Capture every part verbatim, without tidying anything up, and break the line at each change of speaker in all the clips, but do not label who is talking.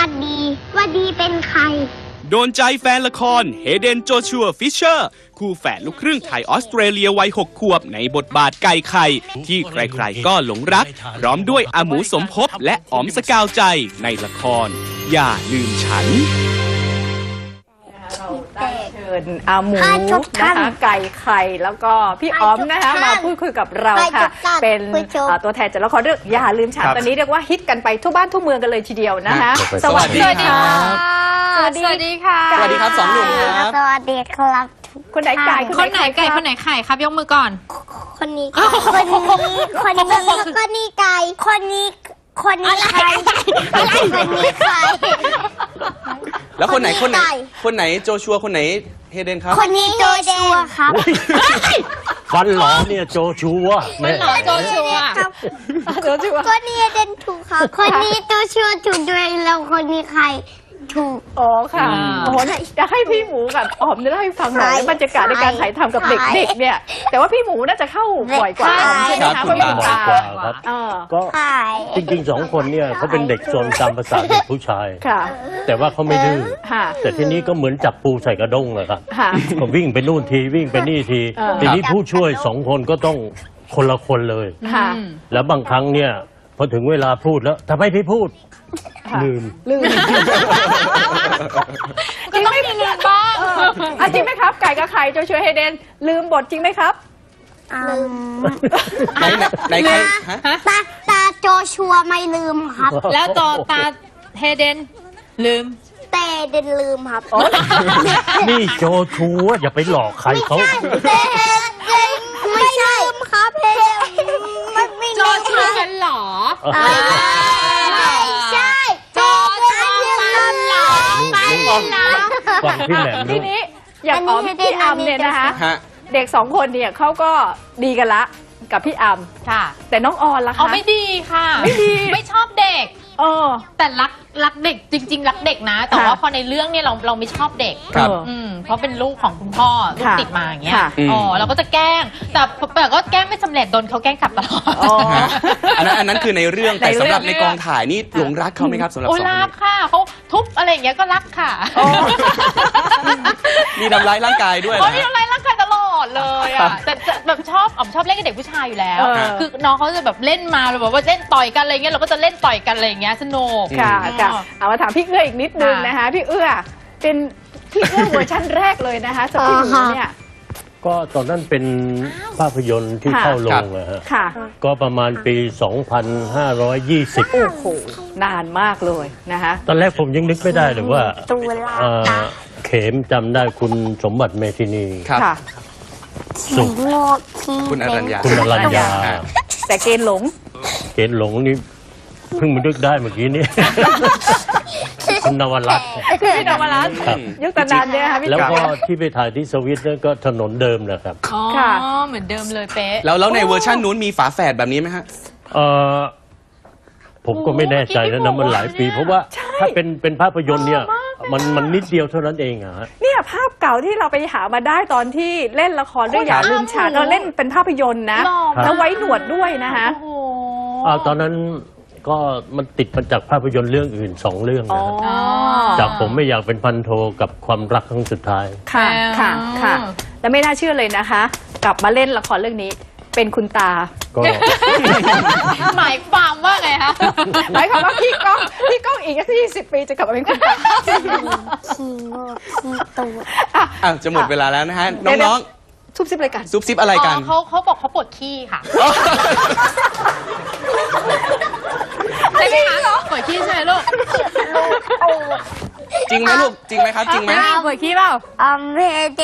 วัสดีวัสดีเป็นใคร
โดนใจแฟนละครเฮเดนโจชัวฟิชเชอร์คู่แฝดลูกครึ่งไทยออสเตรเลียวัยหกขวบในบทบาทไก่ไข่ที่ใครๆก็หลงรักพร้อมด้วยอาหมูสมภพและอ๋อมสกาวใจในละครอย่าลืมฉัน
เราได้เชิญอาหมูนะคะไก่ไข่แล้วก็พี่อ๋อมนะคะมาพูดคุยกับเราค่ะเป็นตัวแทนจากละครเรื่องอย่าลืมฉันตอนนี้เรียกว่าฮิตกันไปทั่วบ้านทั่วเมืองกันเลยทีเดียวนะคะ
สวัสดีค่ะ
สวัสดีค่ะ
สวัสดีครับสองหนุ่มครับ
สวัสดีครับ
คนไหนไก่
คนไหนไก่คนไหนไข่ครับยกมือก่อน
คนนี้คนนี้คนนี้แล้วก็นี่ไก่คนนี้คนนี้ไข่คนนี้ไข่
แล้วคนไหนคนไหนคนไหนโจชัวคนไหนเฮเดนครับ
คนนี้โจชัวครับ
ฟันหลอเนี่ยโจชัว
ฟันหลอโจชัว
โจชัว
คนนี้เฮเดนถูกครับคนนี้โจชัวถูกด้วยแล้วคนนี้ไข่ถูก
อ๋อค่ะโอ้โหจะให้พี่หมูกับอ๋อมเล่าให้ฟังหน่อยบรรยากาศในการถ่ายทำกับเด็กๆเนี่ยแต่ว่าพี่หมูน่าจะเข้าบ่อยกว่าใช่ไหมคะเพราะเป็นตา
ครับก็จริงๆสองคนเนี่ยเขาเป็นเด็กโซนตามภาษาเด็กผู้ชายแต่ว่าเขาไม่ดื้อแต่ทีนี้ก็เหมือนจับปูใส่กระด้งเลยครับก็วิ่งไปนู่นทีวิ่งไปนี่ทีทีนี้ผู้ช่วยสองคนก็ต้องคนละคนเลยแล้วบางครั้งเนี่ยพอถึงเวลาพูดแล้วทำไมพี่พูดลืม
ลืม
จริงไม่ลืมบ้าง
จริงไหมครับไก่กับไข่โจชัวเฮเดนลืมบทจริงไหมครับ
ลืม
ไหนไหนใคร
ตาตาโจชัวไม่ลืมครับ
แล้วตอตาเฮเดนลืม
แต่เดนลืมครับ
นี่โจชัวอย่าไปหลอกใครเขา
ไม่ลืมครับเฮเดนมันไม่
โจชัวกันหรอ
ใช่โจชัวกันหรอไปนะ
ฟังพี่แหลม
ทีนี้อย่างอ๋อมพี่อัมเนี่ยนะคะเด็กสองคนเนี่ยเขาก็ดีกันละกับพี่อัม
ค่ะ
แต่น้องออนล่ะคะ
อ๋อไม่ดีค่ะ
ไม่ดี
ไม่ชอบเด็ก
เออ
แต่รักรักเด็กจริงๆรักเด็กนะแต่ว่าพอในเรื่องเนี่ยเราเราไม่ชอบเด็ก
ครับ
อืมเพราะเป็นลูกของคุณพ่อลูกติดมาอย่างเงี้ยอ๋อเราก็จะแกล้งแต่แต่ก็แกล้งไม่สำเร็จโดนเขาแกล้งกลับตลอด
อันนั้นอันนั้นคือในเรื่องแต่สำหรับในกองถ่ายนี่หลงรักเขาไหมครับสำหรับสองคน
รักค่ะเขาทุบอะไรอย่างเงี้ยก็รักค่ะ
มีทำร้ายร่างกายด้วย
มีทำร้ายร่างกายตลอดเลยอ่ะแต่แบบชอบอ๋อมชอบเล่นกับเด็กผู้ชายอยู่แล้วคือน้องเขาจะแบบเล่นมาแบบว่าเล่นต่อยกันอะไรเงี้ยเราก็จะเล่นต่อยกันอะไรเงี้ยสนุก
ค่ะค่ะเอามาถามพี่เอื้ออีกนิดนึงนะคะพี่เอื้อเป็นพี่เอื้อเวอร์ชันแรกเลยนะคะสำหรับพี่หมูเนี่ย
ก็ตอนนั้นเป็นภาพยนตร์ที่เข้าโรงนะฮะก็ประมาณปี สองพันห้าร้อยยี่สิบ
โอ้โหนานมากเลยนะคะ
ตอนแรกผมยังนึกไม่ได้เลยว่าเข็มจำได้คุณสมบัติเมธินี
ค่ะ
สุข
คุณอรัญญา
คุณอรัญญา
แต่เกณฑ์หลง
เกณฑ์หลงนี่เพิ่งมานึกได้เมื่อกี้นี้คุณนวรัตน์
พี่นวรัตน์ยุคตนานเนี่ยค่ะพี่
แล้วก็ที่ไปถ่ายที่สวิตนั่นก็ถนนเดิมแหละครับ
ค่ะเหมือนเดิมเลยเป๊ะ
แล้วแล้วในเวอร์ชันนู้นมีฝาแฝดแบบนี้ไหมฮะ
เออผมก็ไม่แน่ใจนะนะมันหลายปีเพราะว่าถ้าเป็นเป็นภาพยนตร์เนี่ยมันมันนิดเดียวเท่านั้นเองอะ
เนี่ยภาพเก่าที่เราไปหามาได้ตอนที่เล่นละครเรื่องอย่าลืมฉันเราเล่นเป็นภาพยนตร์นะแล้วไว้หนวดด้วยนะคะ
ตอนนั้นก็มันติดมาจากภาพยนตร์เรื่องอื่นสองเรื่องนะจากผมไม่อยากเป็นพันโทกับความรักครั้งสุดท้าย
ค่ะค่ะค่ะแล้วไม่น่าเชื่อเลยนะคะกลับมาเล่นละครเรื่องนี้เป็นคุณตา
ก็
หมายความว่าไงคะ
หมายความว่าพี่ก้องพี่ก้องอีกยี่สิบปีจะกลับมาเป็นคุณตา
ขี้โง่ขี้ตัว
อ่ะจะหมดเวลาแล้วนะฮะน้อง
ๆซุบซิบอะไรกัน
ซุบซิบอะไรกัน
เขาเขาบอกเขาปวดขี้ค่ะใช่ไหมคะปวดขี้ใช่ไหมลูก
จริงไหมลูกจริงไหมครับจริงไหม
ปวดขี้เปล่า
อ่าเจ็บ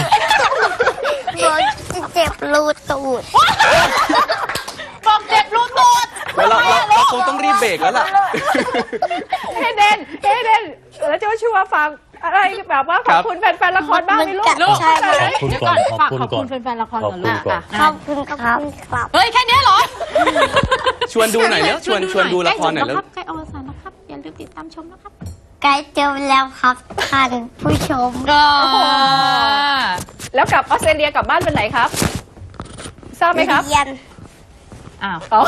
เจ็บรูตูด
บอกเจ็บรูตูด
เราเราคงต้องรีบเบรกแล้วล่ะ
เฮเดนเฮเดนแล้วจะชัวร์ฟังอะไรแบบว่าขอบคุณแฟนๆละครบ้างไหมลูก
ใช่ขอบคุณก่อนขอบคุณก่อน
แฟนๆละครก่อน
ลูกขอบคุณครับ
เฮ้ยแค่นี้เหรอ
ชวนดูหน่อยแล้วชวนชวนดูละครหน่อยแล้ว
ใกล้อวสานนะครับอย่าลืมติดตามชมนะครับ
ใกล้เจอแล้วครับท่านผู้ชม
ก็
แล้วกลับออสเตรเลียกลับบ้านเป็นไหนครับทราบไหมครับ
อ้าว
อ๋อ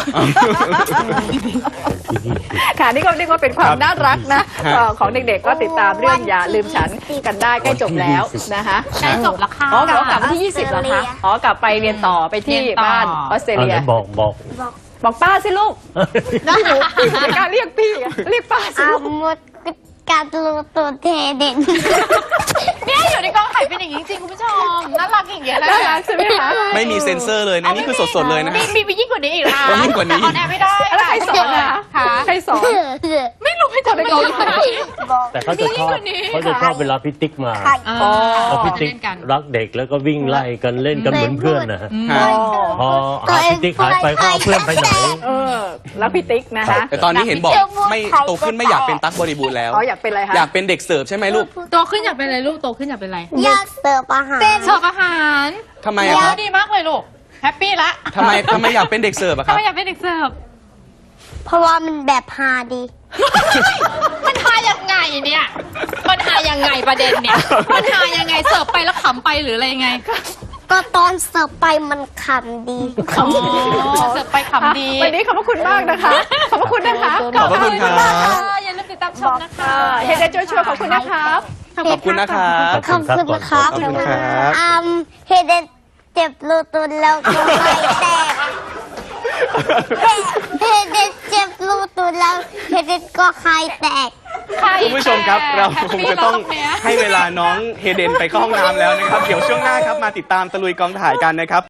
ค่ะนี่ก็เรียกว่าเป็นความน่ารักนะเอ่อของเด็กๆก็ติดตามเรื่องอย่าลืมฉันกันได้ใกล้จบแล้วนะคะ
ใกล้จบแล้วค่ะ
อ๋อกลับวันที่ยี่สิบเหรอคะอ๋อกลับไปเรียนต่อไปที่
เรียนต่อ
บ้านออสเตร
เอา
เลี
ไห
ย
นบอกบอก
บอกป้าสิลูกพี่หนูพี่หนูไม่กล้าเรียกพี่อะเรียกป้าสิ
อา
ลูก
หมดการตูตัวเทเด่น
เนี่ยอยู่ในกองถ่ายเป็นอย่างนี้จริงคุณผู้ชมน่ารักอย่างเงี้ยแหละ
น่ารักใช่ไหมคะ
ไม่มีเซ็นเซอร์เลยนะนี่คือสดๆเลยนะ
มี
ฮะ
มีไปยิ่งกว่านี้อีกนะ
มียิ่งกว่านี้
แต่ออนแอร์ไม่ได้
แล้วใครสอนอะ
ค่ะ
ใครสอน
ไม่รู้ไปทำอะไรกัน
แต่เขาจะชอบเขาจะชอบเวลาพี่ติ๊กมา
อ๋อ
เพราะพี่ติ๊ก
เล่นกัน
รักเด็กแล้วก็วิ่งไล่กันเล่นกันเหมือนเพื่อนนะฮะ
ฮะ
พอหาพี่ติ๊กหายไปก็เอาเพื่อนไปไหน
เออแล้วพี่ติ๊กนะคะ
แต่ตอนนี้เห็นบอกไม่โตขึ้นไม่อยากเป็นตั๊กบริบูรณ์แล้ว
อ๋ออยากเป็นอะไรคะ
อยากเป็นเด็กเสิร์ฟใช่ไหมลูก
โตขึ้นอยากเป็นอะไรลูกโตขึ้นอยากเป็นอะไร
อยากเสิร์ฟอาหาร
เสิร์ฟอาหาร
ทำไมอะครับ
ดีมากเลยลูกแฮปปี้ละ
ทำไมทำไมอยากเป็นเด็กเสิร์ฟอะค
ทำ
รับ
ไมอยากเป็นเด็กเสิร์ฟ
เพราะว่ามันแบบฮาดี
มันหายังไงเนี่ย มันหายังไงประเด็นเนี่ย มันหายังไงเสิร์ฟไปแล้วขำไปหรืออะไรยังไง
ก็ตอนเสิร์ฟไปมันขำดี
อ๋อเสิร์ฟไปขำดี
วันนี้ขอบพระคุณมากนะคะ ขอบพระคุณนะคะ
ขอบพระคุณครับ
อย่าลืมติดตามชมนะคะ
เฮเดนโจชัวขอบคุณนะครับ
ขอบคุณนะครับ
ขอบคุณครับ
ขอบคุณครับ
อืมเฮเดนเจ็บรูตุนแล้วก็ไม่แตกเฮเดนเจ็บรูตุนแล้วเฮเดนก็ไข่แตก
คุณผู้ชมครับเราคงจะต้องให้เวลาน้องเฮเดนไปเข้าห้องน้ำแล้วนะครับ เดี๋ยวช่วงหน้าครับมาติดตามตะลุยกองถ่ายกันนะครับ